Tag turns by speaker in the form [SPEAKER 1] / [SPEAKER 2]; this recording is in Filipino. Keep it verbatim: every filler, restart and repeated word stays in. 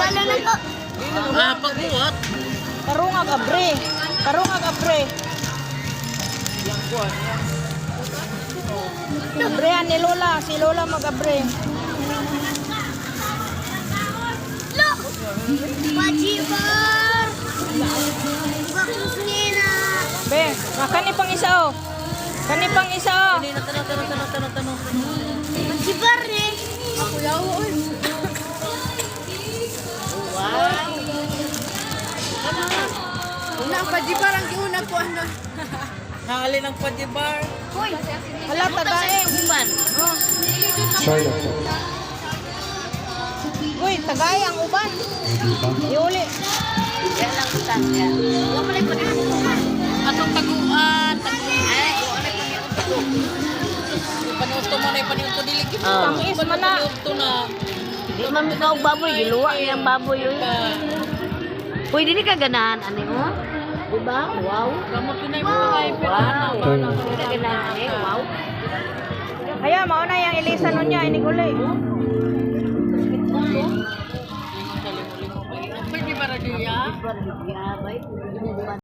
[SPEAKER 1] Wala na to.
[SPEAKER 2] Ah, pagbuhat.
[SPEAKER 3] Karungag abre. Karungag abre. Abrehan ni Lola. Si Lola mag-abre.
[SPEAKER 1] Look! Pajibar! Bakit nina?
[SPEAKER 3] Be, ah, kani pang isa oh. Kani pang isa oh.
[SPEAKER 2] Tanong, tanong, tanong, tanong, tanong, tanong.
[SPEAKER 1] Pajibar eh.
[SPEAKER 2] Ako yaw, oy. Wow.
[SPEAKER 4] Una ang pajibar ang giuna ko ano.
[SPEAKER 2] Halin ang pajibar.
[SPEAKER 1] Hoy!
[SPEAKER 3] Hala, tagain.
[SPEAKER 2] Human.
[SPEAKER 5] China.
[SPEAKER 3] Uy, tagay ang uban. Iuli.
[SPEAKER 2] Yan lang kita. Yan.
[SPEAKER 1] Huwag mo lang pa rin.
[SPEAKER 2] Atong taguan. Taguan. Ay, kung ano yung paniuto. Paniuto mo na yung paniuto dilig.
[SPEAKER 3] Tamis man na.
[SPEAKER 2] Paniuto na.
[SPEAKER 4] Di man mo tawag baboy, giluwa yung baboy yun. Uy, di ka ganahan, ano mo? Diba? Wow.
[SPEAKER 2] Kamu tunay mo ay
[SPEAKER 4] Wow.
[SPEAKER 5] China.
[SPEAKER 4] Di ka ganahan eh, wow.
[SPEAKER 3] Kaya, mauna yung ilisa nun niya. Iniguli.
[SPEAKER 2] Pwede para diya?
[SPEAKER 4] Di ba, di ba,